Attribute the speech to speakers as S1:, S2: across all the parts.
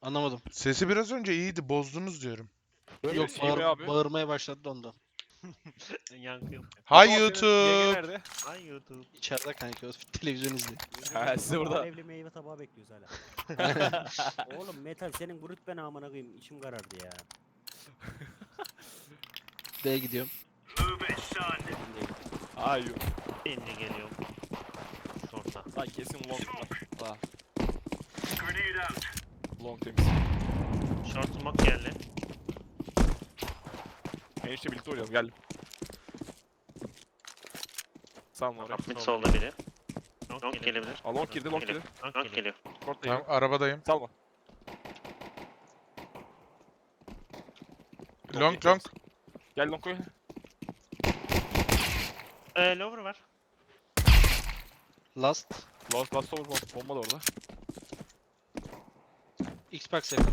S1: Anlamadım.
S2: Sesi biraz önce iyiydi, bozdunuz diyorum.
S1: Yok
S3: iyi be abi.
S1: bağırmaya başladı da ondan.
S4: Yankı yok.
S2: Hay
S3: Baba, senin yenge
S2: YouTube.
S3: nerede?
S4: Ay YouTube.
S1: İçeride kanka televizyon izliyor.
S3: Ha, size burada.
S5: Alevli meyve tabağı bekliyoruz hala. Oğlum metal senin bu rütbene amına koyayım içim karardı ya.
S1: B'ye gidiyorum.
S3: Ay yok.
S4: Şimdi geliyorum. Şorta.
S3: Lan kesin long var. Ha. Long temiz.
S4: Short smoke geldi.
S3: Enişte birlikte oynayalım geldim. Sağ oraya.
S4: Mid solda biri. Long gelebilir.
S3: Aa, long girdi, long girdi.
S4: Long geliyor.
S3: Short da
S2: Tamam,
S3: geliyor.
S2: arabadayım.
S3: Salma.
S2: Long long.
S3: Gel long koy.
S4: Lower var.
S1: Last.
S3: Last over bomba da orada.
S1: Xbox yakın.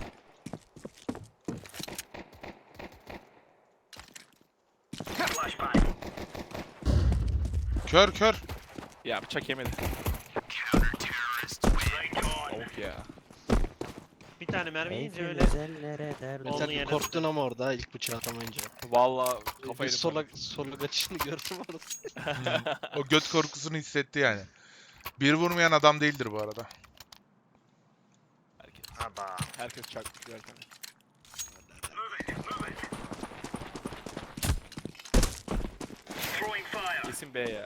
S2: Kör kör.
S3: Ya bıçak yemedi. Tavuk ya.
S4: Bir tane mermi yiyince öyle.
S5: Benzellere derdim.
S4: Oldu
S1: Sen
S4: yere.
S1: korktun ama orada ilk bıçağı atamayınca.
S3: Valla
S1: Bir
S3: kafayı
S1: sola kaçışını gördüm orada.
S2: O göt korkusunu hissetti yani. Bir vurmayan adam değildir bu arada.
S3: Herkes çarpmış derken. Kesin B ya.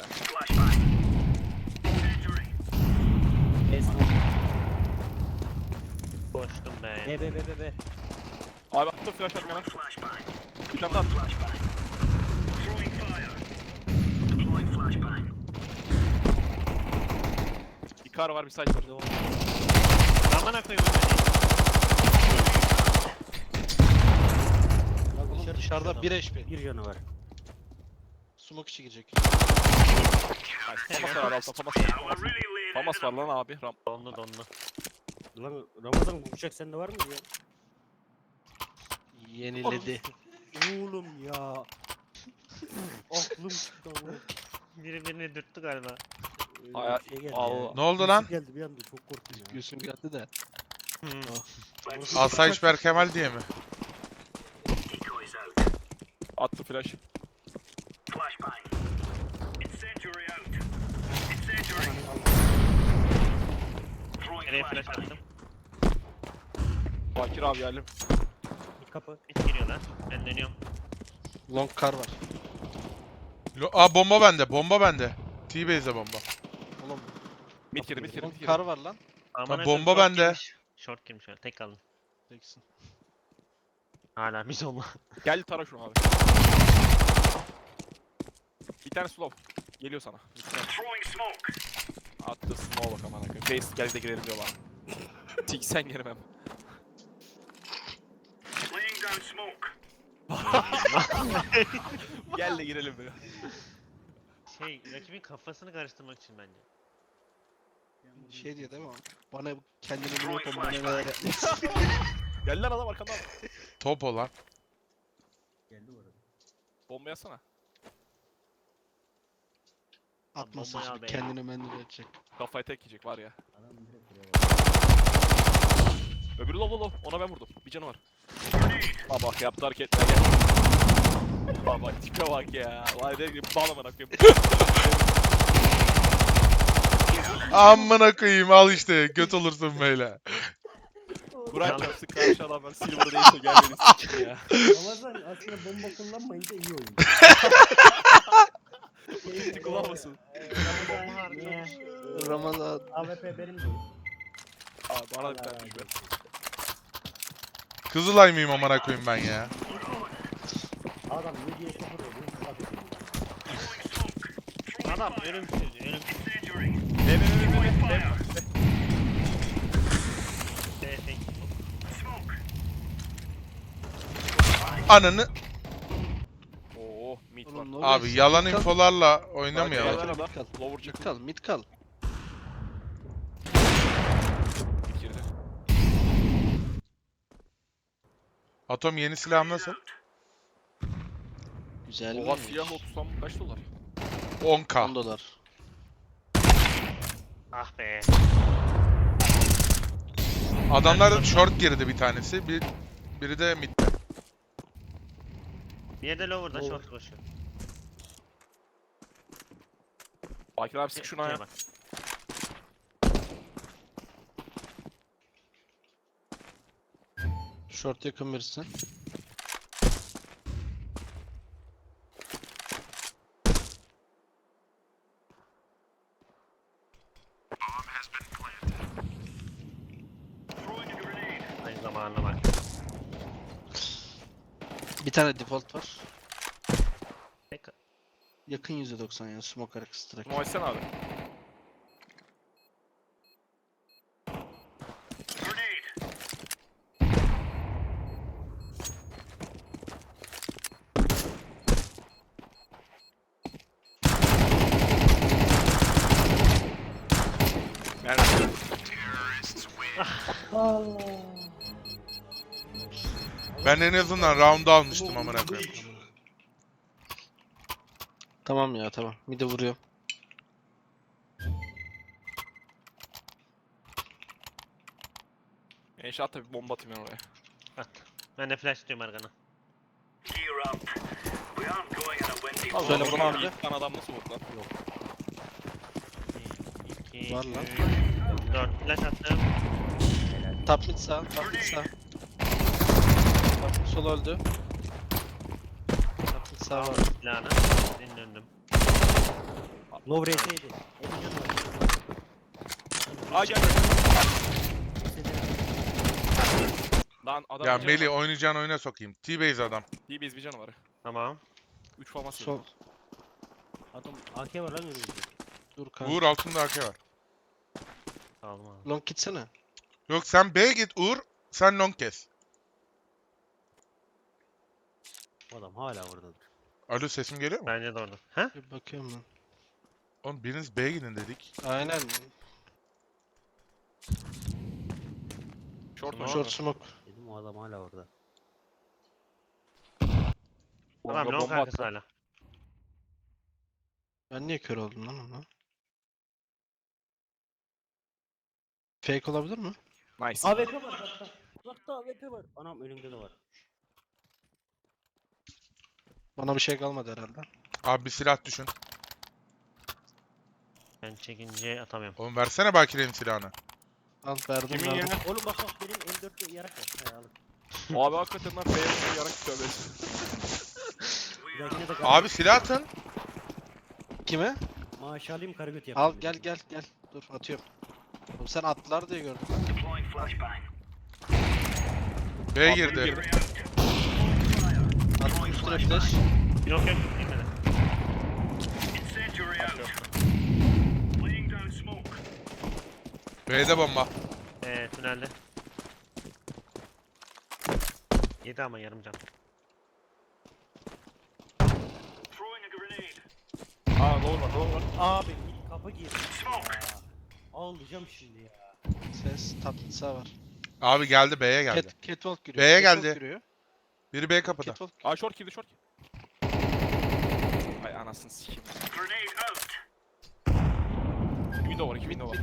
S4: Koştum be.
S5: Be.
S3: Abi attım flash atmaya lan. Bir tane daha attım. Bir kar var bir site var.
S4: Amına koyayım.
S1: Oğlum dışarıda 1 HP.
S5: Bir canı var.
S1: Smoke içi girecek.
S3: Famas var abi altta Famas var. Famas var lan abi.
S4: Donlu.
S5: Lan Ramazan bu bıçak sende var mı ya?
S1: Yeniledi.
S5: Oğlum ya. Aklım çıktı ama.
S4: Biri birini dürttü galiba.
S5: Öyle
S3: Aya-
S5: bir şey geldi
S3: Allah.
S5: ya.
S2: Ne oldu lan?
S5: Birisi geldi bir anda çok korktum ya.
S1: Göğsüm geldi de.
S2: Asayiş Berkemal diye mi?
S3: Attı flash.
S4: Nereye flash attım.
S3: Bakir abi geldim.
S5: Bir kapı.
S4: Mid giriyorlar. Ben dönüyorum.
S1: Long car var.
S2: Aa bomba bende, bomba bende. T-base'e bomba.
S1: Oğlum
S3: Mid girdi mid girdi
S1: long
S3: mid girdi.
S1: car var lan.
S4: Amına
S2: bomba
S4: koyayım, short
S2: bende.
S4: girmiş. Short girmiş öyle. Tek kaldım.
S1: Teksin.
S4: Hala mid olma.
S3: Gel tara şunu abi. Bir tane slow. Geliyor sana. Attı smoke bak aman akıyım. Base gel de girelim diyor bana. Siksen girmem. Gel de girelim diyor.
S4: Rakibin kafasını karıştırmak için bence.
S1: Şey diyor değil mi? Bana kendini bilmiyor bana neler yapmış.
S3: Gel lan adam arkandan.
S2: Top olan.
S5: Geldi bu arada.
S3: Bomba yazsana.
S1: Atmasın
S4: Bombayı al
S1: şimdi
S4: be.
S1: kendini mendil edecek.
S3: Kafayı tek yiyecek var ya.
S5: Adam direkt buraya bak.
S3: Öbürü low. Ona ben vurdum. Bir canı var. Aa bak yaptı hareketler gel. Aa bak tipe bak ya. Vay ne gibi bağlamana koyayım.
S2: Amına koyayım al işte göt olursun böyle.
S3: Burak yapsın karşı adamlar silver değilse gel beni sikin ya.
S5: Ramazan aslında bomba kullanmayınca iyi oyun.
S3: Hiç kullanmasın.
S5: Ramazan niye?
S1: Ramazan.
S5: AWP benim değil.
S3: Aa bana da bir tane düşme.
S2: Kızılay mıyım amına koyayım ben ya?
S5: Adam 7'ye 0 oluyor.
S4: Adam ölümsüz. Ölümsüz.
S3: Ne.
S4: Tek.
S2: Ananı.
S3: Oo mid var.
S1: Oğlum, ne
S2: Abi
S1: oluyor?
S2: yalan
S1: Mid kal.
S2: infolarla
S3: Gel
S2: oynamayalım.
S3: lan
S1: Mid
S3: adam.
S1: kal.
S3: Lower
S1: Mid
S3: çık.
S1: kal. Mid kal.
S3: Mid girdi.
S2: Atom yeni silah nasıl?
S1: Güzel
S3: Oha
S1: mi?
S3: siyah 30 kaç dolar?
S2: 10k.
S1: 10 dolar.
S4: Ah be.
S2: Adamlar short girdi bir tanesi. Biri de midde.
S4: Bir de lower'da
S5: Lower.
S4: short koşuyor.
S3: Bakir abi sık şuna ya.
S4: Şuraya bak.
S1: Short yakın birisi.
S4: Aynı zamanına bak.
S1: Bir tane default var.
S4: Tek-
S1: Yakın %90 ya. Smoke arkası direkt.
S3: Muaysen abi. Merhaba.
S2: Ben en azından round almıştım amına koyayım.
S1: Tamam ya tamam. Mid'e vuruyor.
S3: İnşaat tabi bomba atayım ben oraya.
S4: At. Ben de flash diyorum Ergan'a.
S3: Allah
S1: Söyle
S3: Allah,
S1: bana
S3: abi.
S1: abi.
S3: Bir tane adam nasıl vurdu lan?
S4: 2,
S1: Var lan.
S4: 4 flash attım.
S1: Top mid sağ. Top mid sağ. Top mid sol öldü. Top mid sağ var.
S4: Silahını. Senin döndüm.
S5: Low RS'ydi. 50 canı var.
S3: Aa gel. Lan adam
S2: Ya Melih oynayacağın oyuna sokayım. T-base adam.
S3: İyi bir canı var.
S4: Tamam.
S3: 3 forması.
S1: Sol.
S5: Adam AK var lan önümüzde.
S1: Dur kanka.
S2: Uğur altında AK var.
S4: Aldım abi.
S1: Long gitsene.
S2: Yok sen B'ye git Uğur. Sen long kes.
S5: Adam hala oradadır.
S2: Alo sesim geliyor mu?
S4: Bence de orada. Ha?
S1: Bir bakıyorum ben.
S2: Oğlum biriniz B'ye gidin dedik.
S1: Aynen.
S3: Short
S4: Tamam.
S1: Short smoke.
S5: Dedim o adam hala orada.
S4: Adam long arkası hala.
S1: Ben niye kör oldum lan ona? Fake olabilir mi?
S3: Nice.
S5: AWP var uzakta. Uzakta AWP var. Anam önümde de var.
S1: Bana bir şey kalmadı herhalde.
S2: Abi bir silah düşün.
S4: Ben çekince atamıyorum.
S2: Oğlum versene Bakir'in silahını.
S1: Al verdim
S3: Kimin
S1: verdim.
S3: yerine?
S5: Oğlum bak benim M4'te yarak var. He alın.
S3: Abi hakikaten lan B'ye yarak tövbe.
S5: Bir dahakine de
S2: Abi silah atın.
S1: Kime?
S5: maaş alayım karagöt
S1: Al
S5: yapayım.
S1: gel. Dur atıyorum. Oğlum sen attılar diye gördüm.
S2: B'ye girdi.
S1: Attım üstüne flash.
S4: Yok yok gitmedi.
S2: B'de bomba.
S4: Tünelde. Yedi ama yarım can.
S3: Aa doğru var.
S5: Abi bir kapı girdi. Ya. Ağlayacağım şimdi ya.
S1: Ses top mid sağ var.
S2: Abi geldi B'ye geldi.
S1: Catwalk giriyor.
S2: B'ye
S1: Catwalk
S2: geldi.
S1: giriyor.
S2: Biri B kapıda.
S1: Catwalk.
S3: Aa short girdi short. Ay anasını sikeyim. İki window var, iki window var.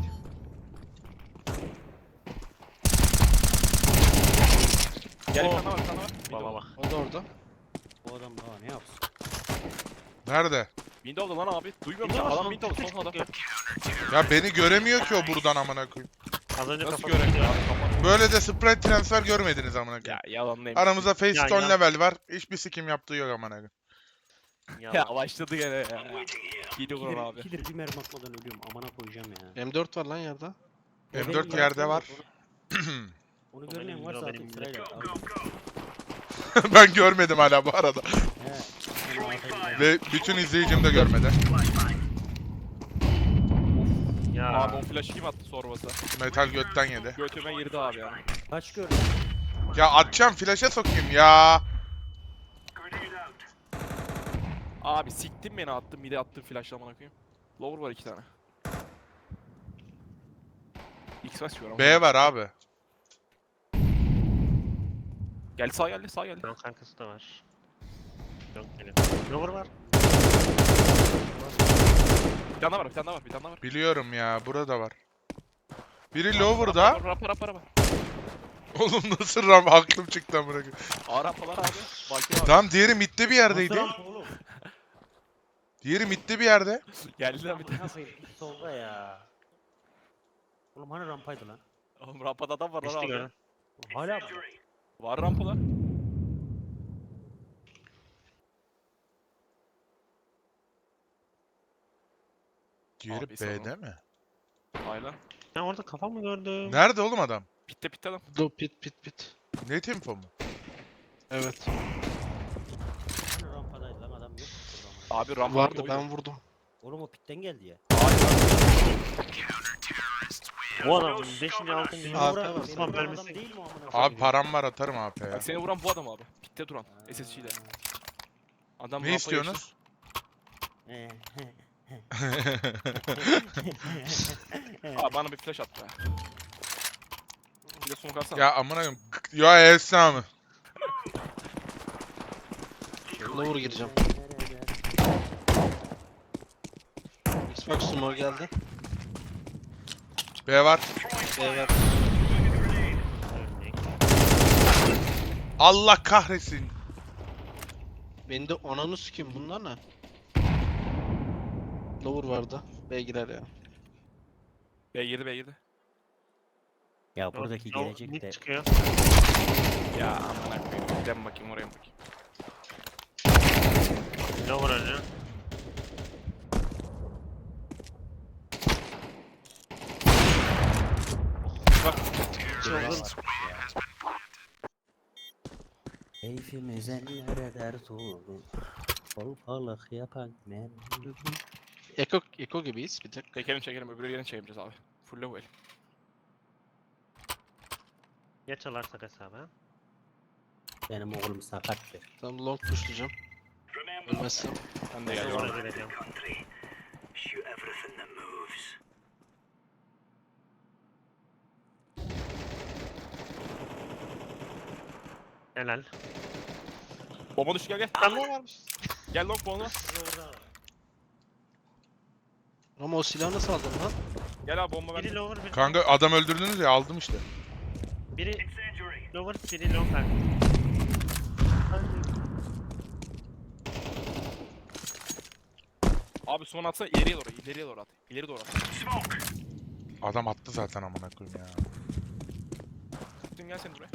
S3: Gel bir tane var, bir tane var.
S4: Baba bak.
S1: O da orada.
S5: Bu adam daha ne yapsın?
S2: Nerede?
S3: Window'da lan abi. Duymuyor musun? Adam window'da son adam.
S2: Ya beni göremiyor ki o buradan amına koyayım.
S4: Az önce
S3: Nasıl
S4: kafasını
S3: göremiyor
S4: tutuyor.
S3: abi kafanı?
S2: Böyle de sprite transfer görmediniz amına
S3: Ya
S2: koyayım.
S3: yalanlayayım.
S2: Aramızda face
S4: Ya,
S2: stone
S4: ya.
S2: level var. Hiçbir sikim yaptığı yok amına koyayım.
S3: Ya başladı gene ya. Gidi vurun
S5: Killer,
S3: abi.
S5: killer bir mermi atmadan ölüyorum. Amına koyacağım ya.
S1: M4 var lan yerde.
S2: M4
S5: Benim
S2: yerde
S5: yaptığım
S2: var.
S5: Onu
S4: O
S5: görmeyen
S4: benim,
S5: varsa
S4: o
S5: atayım
S4: benim.
S5: sırayla. Al.
S2: Ben görmedim hala bu arada.
S5: He. Onu atayım.
S2: Ve bütün izleyicim de görmedi.
S4: Ya.
S3: Abi o flash'ı kim attı sorbası?
S2: Metal götten yedi.
S3: Götüme girdi abi ya.
S5: Kaç gördün?
S2: Ya atacağım flash'e sokayım ya.
S3: Abi siktin beni attın bir de attın flash'la amına koyayım. Lower var 2 tane. X basıyor ama.
S2: B var abi.
S3: Gel sağ geldi sağ geldi.
S4: Long arkası da var. Yok geliyor. Lower var.
S3: Bir tane daha var bir tane daha var bir tane daha var.
S2: Biliyorum ya burada var. Biri lower'da.
S3: Rapa.
S2: Oğlum nasıl ram aklım çıktı amına koyayım.
S3: A rampalar abi. Bakir abi.
S2: Tamam diğeri midde bir yerdeydi.
S5: Nasıl rampa oğlum?
S2: Diğeri midde bir yerde.
S3: Geldiler bir
S5: Amına
S3: tane.
S5: koyayım, git solda ya. Oğlum hani rampaydı lan?
S3: Oğlum rampada adam var lan
S4: Geçti
S3: abi.
S4: gördüm.
S5: Oğlum hala mı?
S3: Var rampalar.
S2: Diğeri
S3: Abi, sanırım.
S2: B'de mi?
S3: Aynen.
S4: Ben orada kafa mı gördüm?
S2: Nerede oğlum adam?
S3: Pitte adam.
S1: Do pit.
S2: Ne tempo mu?
S1: Evet.
S5: Hani rampadaydı lan adam yok. mu burada amına?
S3: Abi rampa
S1: Vardı
S3: oydu.
S1: ben vurdum.
S5: Oğlum o pitten geldi ya.
S4: Bu adamın 5. 6.
S5: Beni
S1: Abi,
S5: vuran,
S1: tamam.
S5: beni
S4: Osman
S5: vuran
S4: vermesin.
S5: adam değil mi o amına
S2: Abi
S5: koyayım?
S2: param var atarım AP'ye.
S3: Bak seni vuran bu adam abi. Pitte duran. SSC ile. Adam
S2: Ne
S3: rampaya
S2: istiyorsunuz?
S5: He,
S3: geçti. Abi bana bir flash at be. Bir de smoke atsana.
S2: Ya amına koyayım. Ya Esra mı?
S1: Lower gireceğim. Xbox Sumo geldi.
S2: B var.
S1: Evet.
S2: Allah kahretsin.
S1: Beni de onanı sikeyim bunlar ne? Lower vardı. B girer ya.
S3: B girdi B girdi.
S5: Ya buradaki gelecek
S4: Mid
S5: de
S4: çıkıyor.
S3: Ya amına koyayım. Gidem bakayım oraya bakayım.
S4: Ne var önce?
S5: var. Keyfimiz ellere dert oldu. Kolpalık yapan men.
S1: Eko gibiyiz bir tek.
S3: Çekelim öbürü yerini çevireceğiz abi. Full level.
S4: Ya çalarsak hesabı.
S5: Benim oğlum sakattır.
S1: Tamam long pushlayacağım. Ölmezsem.
S3: Ben de
S4: Ne
S3: geliyorum.
S4: var vereceğim. Helal.
S3: Bomba düştü gel.
S4: Lan ne varmış?
S3: Gel long bomba.
S1: Ama o silahı nasıl aldın lan?
S3: Gel abi bomba
S4: Biri
S3: bende.
S4: lower, biri...
S2: Kanka adam öldürdünüz ya aldım işte.
S4: Biri lower, biri lower.
S3: Abi son atsana ileriye doğru at. İleri doğru at.
S2: Adam attı zaten amına koyayım ya.
S3: Tuttum gel sen buraya.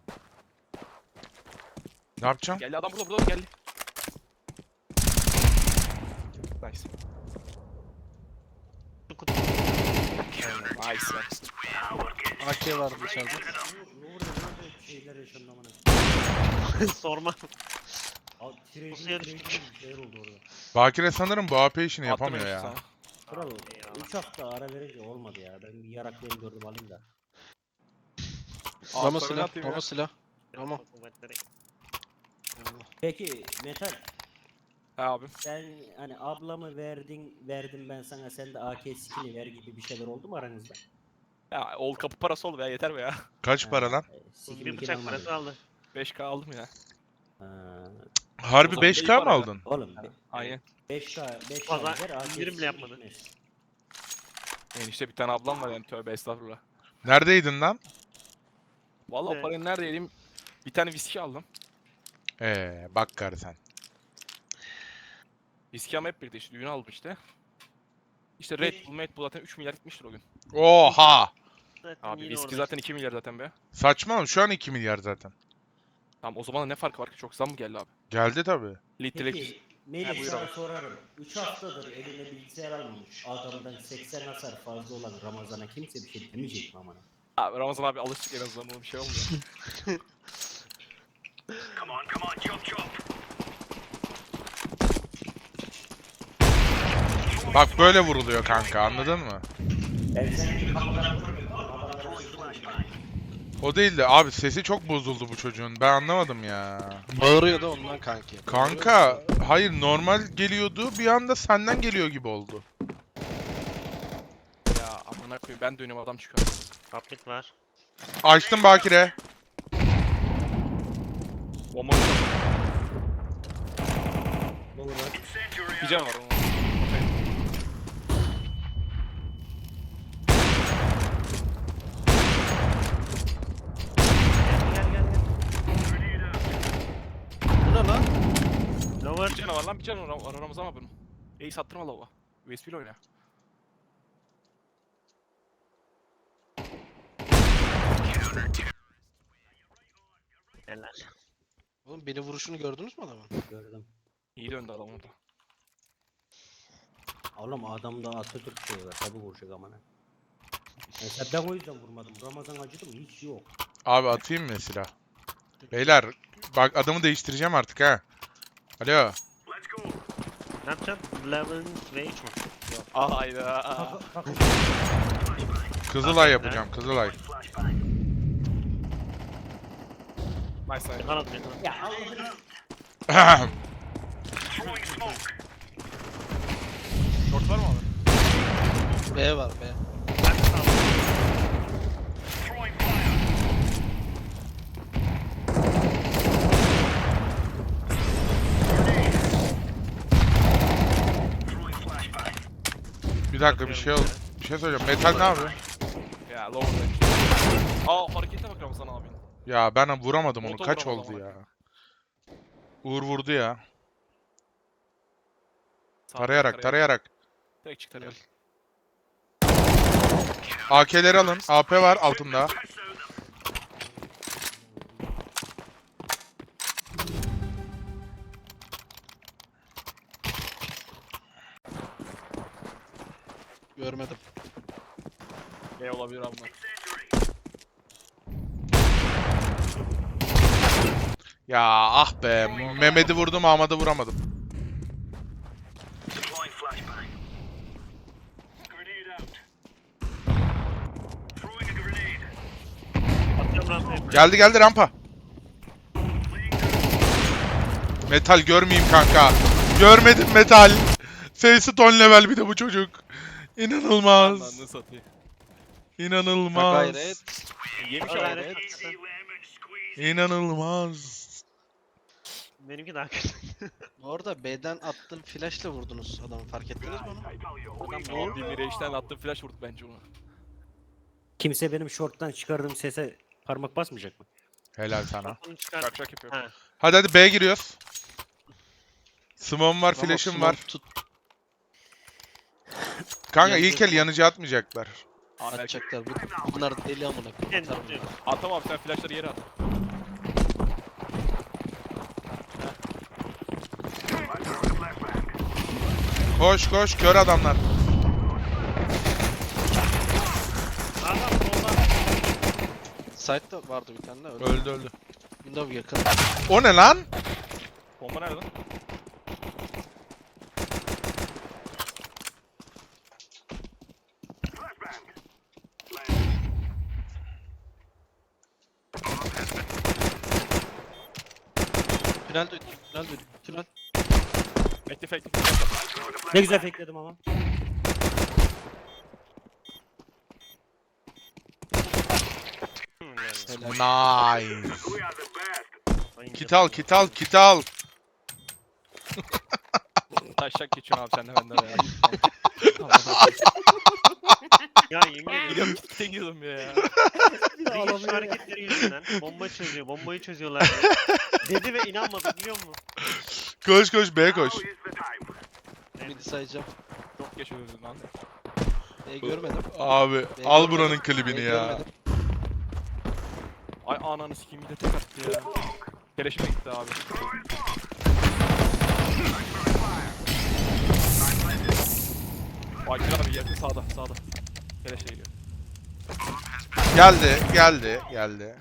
S2: Ne yapacağım?
S3: Geldi adam burada geldi. Nice.
S4: Şu kutu.
S3: Nice ya.
S1: AK vardı dışarıda.
S5: Ne oluyor lan şeyler yaşandı amına.
S4: Sorma.
S5: Abi
S4: Pusuya
S5: trading
S4: düştük.
S5: bir şeyler oldu orada.
S2: Bakire sanırım bu AP işini
S3: Attım
S2: yapamıyor
S3: işte
S2: ya.
S3: sana.
S5: Kral 3 hafta ara verince olmadı ya. Ben bir yaraklarını gördüm alayım da.
S1: Ramo
S3: Altlarını
S1: silah.
S3: atayım ya.
S1: Ramo silah. Tamam.
S5: Peki Metal
S3: He abi.
S5: sen hani ablamı verdim ben sana sen de AK skin'i ver gibi bir şeyler oldu mu aranızda?
S3: Ya old kapı parası oldu ya yeter be ya.
S2: Kaç para lan?
S5: Skin
S4: Bir bıçak parası aldı.
S3: 5k aldım ya.
S2: Harbi
S3: O zaman
S2: 5K
S3: iyi
S2: mı
S3: para ya.
S2: aldın?
S5: Oğlum
S3: Aynen.
S5: 5K
S4: Pazar
S5: ver AK
S4: indirim bile
S5: skin
S4: yapmadı.
S5: gitmez.
S3: İşte bir tane ablam var yani tövbe estağfurullah.
S2: Neredeydin lan?
S3: Vallahi o
S4: Evet.
S3: parayı nerede yedim? Bir tane viski aldım.
S2: Bak gari sen.
S3: Viski ama hep birlikte işte düğüne aldım işte. İşte Red Bull zaten 3 milyar gitmiştir o gün.
S2: Oha!
S4: Zaten
S3: Abi
S4: yine
S3: viski
S4: orada.
S3: zaten 2 milyar zaten be.
S2: Saçmalama şu an 2 milyar zaten.
S3: Tamam o zaman ne farkı var ki çok zam mı geldi abi?
S2: Geldi tabi.
S3: Litrelik.
S5: Peki
S3: Ha,
S5: Melih
S3: buyur
S5: sana
S3: abi.
S5: sorarım. 3 haftadır eline bilgisayar almamış. Adamdan 80 hasar fazla olan Ramazan'a kimse bir şey demeyecek mi amına?
S3: Abi Ramazan abi alıştık en azından ona bir şey olmuyor.
S2: Bak böyle vuruluyor kanka anladın mı?
S5: Ben seni kapıdan vurmuyorum. Babalara sözüm
S2: O değil de abi sesi çok bozuldu bu çocuğun. Ben anlamadım ya.
S1: Bağırıyor da ondan kanki.
S2: Kanka hayır normal geliyordu bir anda senden geliyor gibi oldu.
S3: Ya amına koyayım ben dönüyorum adam çıkıyor.
S4: Kaplik var.
S2: Açtım Bakire.
S3: Bomba bir can var onun.
S4: Lower.
S3: Bir canı var lan, bir canı var Ramazan abi bunun. Ace attırma lava. USP ile oyna.
S4: Helal.
S1: Oğlum beni vuruşunu gördünüz mü adamın?
S5: Gördüm.
S3: İyi döndü adam orada.
S5: Oğlum adamda Atatürk şey var. Tabi vuracak amına. Mesela ben o yüzden vurmadım. Ramazan acıdı mı? Hiç yok.
S2: Abi atayım mı silah? Beyler bak adamı değiştireceğim artık ha. Alo.
S4: Ne yapacaksın? Level Rage mi?
S3: Hayda.
S5: Kalk.
S2: Kızılay yapacağım Kızılay.
S3: Nice side.
S4: Kanat bir kanat.
S5: Ya Allah'ını.
S3: Short var mı abi?
S1: B var B.
S4: Ben de sağlam.
S2: Bir dakika bir şey oldu. Bir şey söyleyeceğim. Metal ne yapıyor?
S3: Ya lower'da. Harekete bak Ramazan abi.
S2: Ya ben vuramadım onu.
S3: Motor
S2: Kaç
S3: vuramadım
S2: oldu
S3: ama.
S2: ya? Uğur vurdu ya. Tarayarak tarayarak.
S3: Direkt çık tarayarak.
S2: AK'leri alın. AP var altında.
S1: Görmedim.
S3: B olabilir abi bunlar.
S2: Ya ah be. Mehmet'i vurdum Ahmet'i vuramadım.
S4: Atıyorum rampaya.
S2: Geldi geldi rampa. Metal görmeyeyim kanka. Görmedim metal. Face'i ton level bir de bu çocuk. İnanılmaz.
S3: Anladın satayım.
S1: Ha
S2: İnanılmaz.
S1: gayret.
S3: Yemiş
S4: O
S3: abi.
S4: gayret.
S2: İnanılmaz.
S4: Benimki daha kötü.
S1: Bu arada B'den attığım flash'la vurdunuz adamı, fark ettiniz mi onu?
S3: Adam ne oldu? Mirage'den attığım flash vurdu bence onu.
S5: Kimse benim short'tan çıkardığım sese parmak basmayacak mı?
S2: Helal sana.
S4: Bunu çıkar.
S3: Kaçak yapıyor.
S4: Ha.
S2: Hadi hadi B giriyoruz. Smoke'um var,
S1: Ramos
S2: flash'ım
S1: smoke
S2: var.
S1: Tut,
S2: Kanka
S1: Yandı
S2: ilk el
S1: smoke.
S2: yanıcı atmayacaklar.
S1: atacaklar. Bunlar deli amına koyayım.
S4: Kendi
S1: Atar
S4: tutuyor.
S1: bunlar.
S3: Atam abi sen flashları yere at.
S2: Koş koş kör adamlar.
S4: Adam solda.
S1: Side'da vardı bir tane de öldü.
S2: Öldü öldü.
S1: Window yakın.
S2: O ne lan?
S3: Bomba nerede lan?
S1: Tünel duydum. Tünel duydum. Tünel.
S3: Bekle fake.
S5: Ne güzel fakeledim ama.
S1: Helal.
S2: Nice. Kit al kit al kit al.
S3: Taşak geçiyorsun abi sen de benden ya.
S4: Ya yemin ediyorum.
S3: Gidiyorum kitle gidiyordum ya.
S4: Reis şu hareketleri yüzünden bomba çözüyor, bombayı çözüyorlar diye. Dedi ve inanmadı biliyor musun?
S2: Koş koş B koş.
S1: Midi sayacağım.
S3: Çok geç öldün lan.
S1: Görmedim.
S2: Abi al buranın klibini ya.
S1: Görmedim.
S3: Ay ananı sikeyim bir de tek attı ya. Keleşime gitti abi. Ay güzel abi yakın sağda sağda. Keleşe geliyor.
S2: Geldi geldi geldi.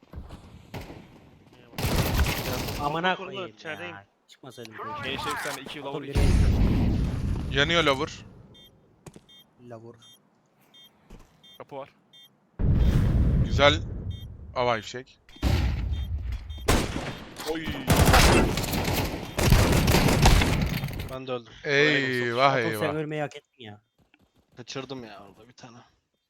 S5: Amına
S4: Kurulu,
S5: koyayım
S4: içerideyim.
S5: ya. Çıkmasaydım.
S3: Gençler sen de 2 yıla vur
S5: Oğlum
S3: 2.
S2: Yanıyor lover.
S5: Lavur.
S3: Kapı var.
S2: Güzel havai fişek.
S3: Oy.
S1: Ben de öldüm.
S2: Eyvah
S5: Sen
S2: eyvah.
S5: ölmeyi hak ettin ya.
S1: Kaçırdım ya orada bir tane.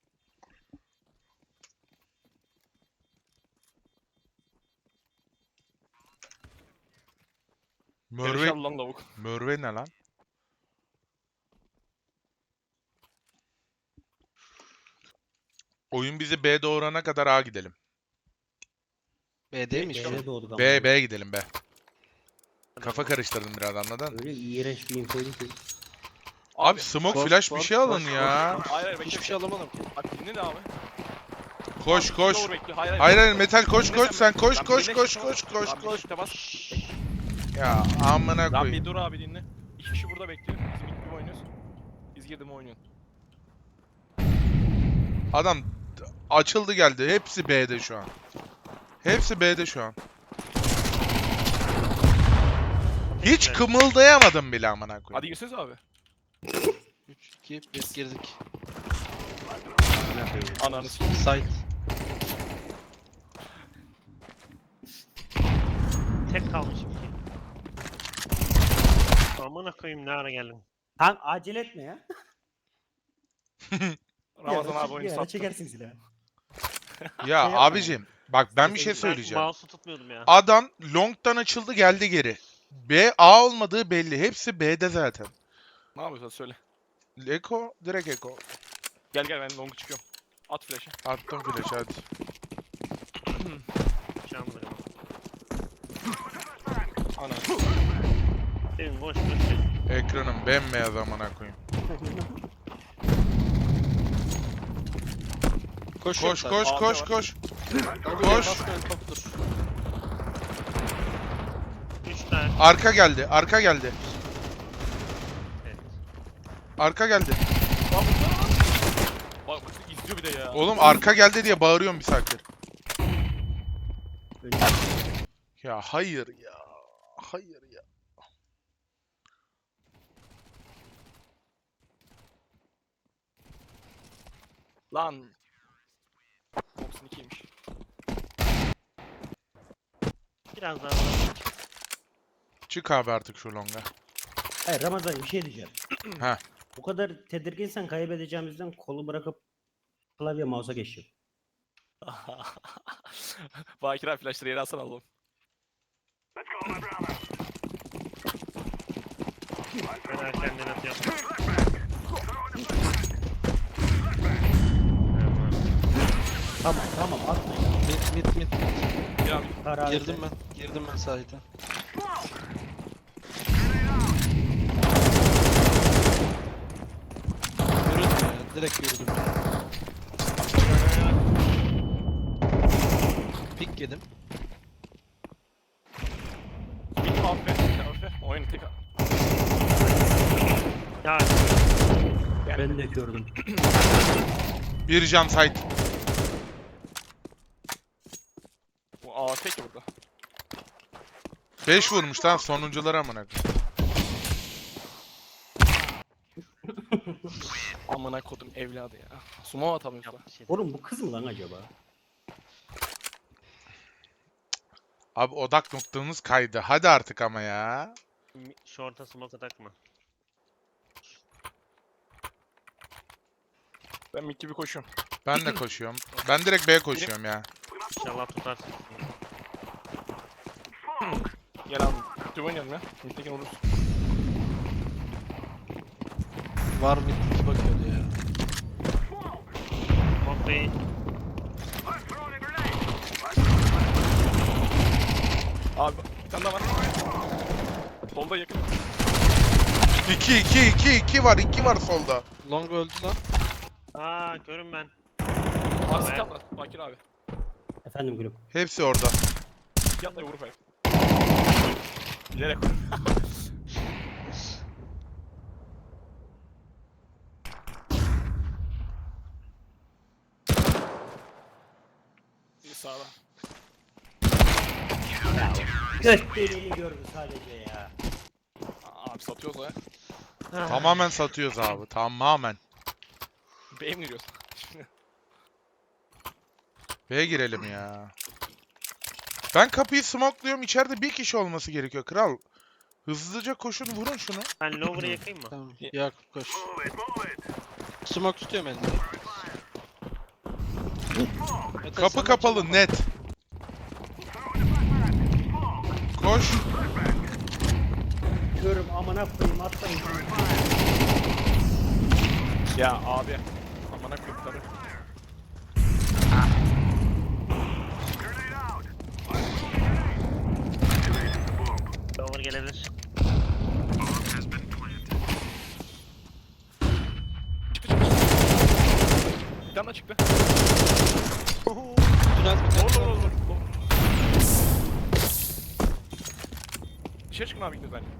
S3: Mörve.
S2: Mörve,
S3: lan lavuk.
S2: Mörve ne lan? Oyun bizi B doğurana kadar A gidelim.
S1: B değil mi şu an?
S5: B'de doğduk ama.
S2: B gidelim B. kafa karıştırdın biraz, anladın?
S5: Öyle iğrenç bir infoydu ki.
S2: Abi smoke
S1: Boş,
S2: flash bir
S1: boş,
S2: şey alın
S1: boş,
S2: ya.
S1: boş.
S3: Hayır hayır bekle.
S1: Hiçbir şey alamadım ki.
S3: Bak dinle de abi.
S2: Koş koş.
S3: Lower bekliyor. Hayır
S2: Hayır hayır metal koş
S3: Dinle
S2: koş sen koş
S3: Lan
S2: koş
S3: dinle,
S2: koş
S3: tamam.
S2: koş koş
S3: Lan bir
S2: koş.
S3: shift'e bas.
S2: Ya amına
S3: Lan bir
S2: koyayım.
S3: dur abi dinle. İki kişi burada bekliyor. Biz ilk gibi oynuyoruz. Biz girdim oynuyorsun.
S2: Adam açıldı geldi. Hepsi B'de şu an. Hepsi B'de şu an. Hiç kımıldayamadım bile amına
S3: Hadi
S2: koyayım.
S3: girseniz abi.
S1: 3, 2, 1 girdik.
S3: Ananı s***.
S1: Site.
S4: Tek kalmışım ki. Amına koyayım ne ara geldim.
S5: Kanka acele etme ya.
S3: Ramazan abi oyunu
S5: Bir ara
S3: sattı.
S5: çekersin silahı.
S2: Ya
S5: yapma
S2: abicim bak ben bir şey
S4: Ben
S2: söyleyeceğim.
S4: mouse'u tutmuyordum ya.
S2: Adam long'dan açıldı geldi geri. B A olmadığı belli. Hepsi B'de zaten.
S3: Ne yapıyorsun söyle.
S2: Eko direkt Eko.
S3: Gel gel ben longu çıkıyorum. At flash'ı.
S2: Attım flash hadi.
S4: Canlı.
S3: Ana.
S4: Senin boş boş.
S2: Ekranım bembeyaz amına koyayım.
S1: Koş
S2: Koş koş
S3: Abi
S2: koş
S3: var.
S2: koş.
S1: Koş.
S2: Koş.
S1: Helikopter.
S4: 3 tane.
S2: Arka geldi. Arka geldi.
S4: Evet.
S2: Arka geldi.
S3: Bak bak izliyor bir de ya.
S2: Oğlum arka geldi diye bağırıyorum bir saattir.
S5: Önce
S2: Ya hayır ya. Hayır ya.
S3: Lan. 92'ymiş.
S4: Biraz daha.
S2: Çık abi artık şu longa.
S5: Hayır Ramazan bir şey diyeceğim.
S2: Ha.
S5: Bu kadar tedirginsen kaybedeceğimizden kolu bırakıp klavye mouse'a geçiyor.
S3: Bakir abi flashları yere alsana oğlum.
S4: Ben erkenden atıyorum.
S5: Tamam atma ya.
S1: Mid.
S3: Gel abi.
S5: Karar
S1: Girdim ben. Girdim ben site'e. Yürüdüm ya. Direkt yürüdüm. Pik yedim.
S3: Git aferin. Oyunu tek al.
S4: Ya
S5: Ben de gördüm.
S2: Bir can site.
S3: Bu AFK ki burada.
S2: 5 vurmuş lan sonuncuları amına koyayım.
S3: Amına kodum evladı ya. Sumo atamıyorsun.
S4: yap bir şey.
S5: Oğlum bu kız mı lan acaba?
S2: Abi odak noktamız kaydı. Hadi artık ama ya.
S4: Short'a smoke takma.
S3: Ben mid gibi koşuyorum.
S2: Ben de koşuyorum. Ben direkt B'ye koşuyorum ya.
S4: İnşallah tutarsın.
S3: Gel abi. Mid oynayalım ya. Mid'deki oluruz.
S1: Var mid iki bakıyordu ya.
S4: Smoke değil.
S3: Abi bir tane daha var. Solda yakın.
S2: 2 var. 2 var solda.
S1: Long öldü lan.
S4: Aa görün ben.
S3: Arası katla. Bakir abi.
S5: Efendim gülüm.
S2: Hepsi orada.
S3: Yatla vurup ayak. Bilerek. Bir sağda.
S5: Gösteriğini gördü sadece ya.
S3: Abi satıyoruz o ya.
S2: Tamamen satıyoruz abi. Tamamen.
S3: B'ye mi giriyorsun?
S2: B'ye girelim ya. Ben kapıyı smokluyorum. İçeride bir kişi olması gerekiyor kral. Hızlıca koşun vurun şunu.
S4: Ben lower'ı yakayım mı?
S1: Tamam. Yakup koş. Smoke tutuyorum elinde. Mete,
S2: Kapı
S1: sen
S2: kapalı
S1: açamam.
S2: net. Koş.
S5: Görüm amına koyayım atlayın.
S3: Ya abi. Amına koyayım tabii.
S4: Lower gelebilir.
S3: Bir tane daha çıktı.
S1: Tünel tünel.
S3: Olur. Dışarı çıkın abi gidiyoruz bence.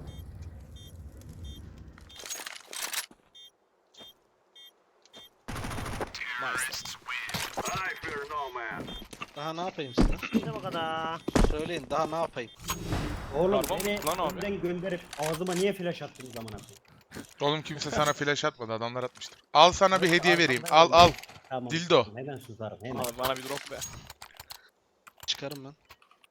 S3: Nice.
S1: Daha ne yapayım size?
S4: İşte bu kadar.
S1: Söyleyin daha ne yapayım?
S5: Oğlum
S3: Karbon
S5: beni
S3: lan abi.
S5: önden gönderip ağzıma niye flash attınız amına koyayım?
S2: Oğlum kimse sana flash atmadı. Adamlar atmıştır. Al sana bir hediye vereyim. Al.
S5: Tamam.
S2: Dildo.
S5: Hemen susarım hemen.
S3: Abi bana bir drop be.
S1: Çıkarım ben.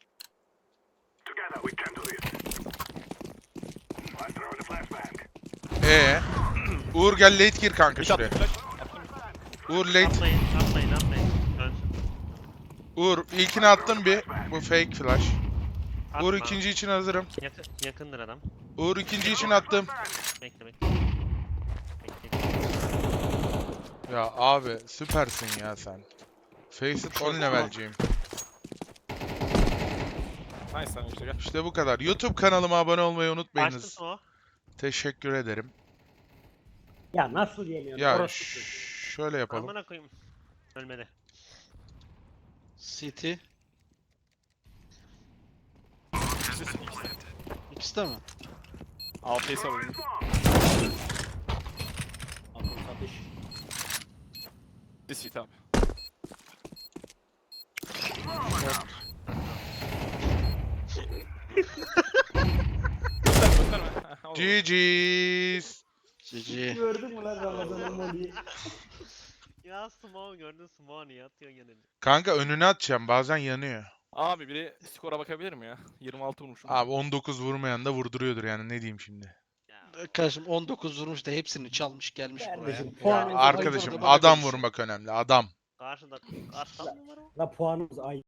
S2: Uğur gel late gir kanka
S3: Bir
S2: şuraya.
S3: attım flash. Attım.
S2: Uğur late.
S4: Atmayın. Dönsün.
S2: Uğur ilkini attım bir. Bu fake flash.
S4: Atma.
S2: Uğur ikinci için hazırım.
S4: Yakındır adam.
S2: Uğur ikinci için attım.
S4: Bekle. Bekle.
S2: Ya abi süpersin ya sen. Faceit 10 levelciyim.
S3: Nice sen işte gel.
S2: İşte bu kadar. YouTube kanalıma abone olmayı
S4: Açtım
S2: unutmayınız.
S4: o.
S2: Teşekkür ederim.
S5: Ya nasıl yemiyorsun?
S2: Ya
S5: Orospu çocuğu.
S2: şöyle yapalım.
S4: Amına koyayım. Ölmedi.
S1: City. İkisi de mi?
S3: AP'yi savurdum.
S5: Akıl satış.
S3: This hit abi. Gösterme. Olur.
S2: GG's.
S1: GG.
S5: Gördün mü lan Ramazan'ın molliyi?
S4: Ya Small gördün Small niye atıyorsun yanına?
S2: Kanka önüne atacağım. Bazen yanıyor.
S3: Abi biri skora bakabilir mi ya? 26 vurmuşum.
S2: Abi 19 vurmayan da vurduruyordur yani ne diyeyim şimdi.
S4: Ya.
S1: Kardeşim 19 vurmuş da hepsini çalmış gelmiş buraya.
S5: Kardeşim
S2: Ya
S5: puanımız
S2: arkadaşım
S1: Bana
S2: adam
S1: konuşuyor.
S2: vurmak önemli. Adam.
S4: Karşında karşıdan mı var o?
S5: La puanımız ay.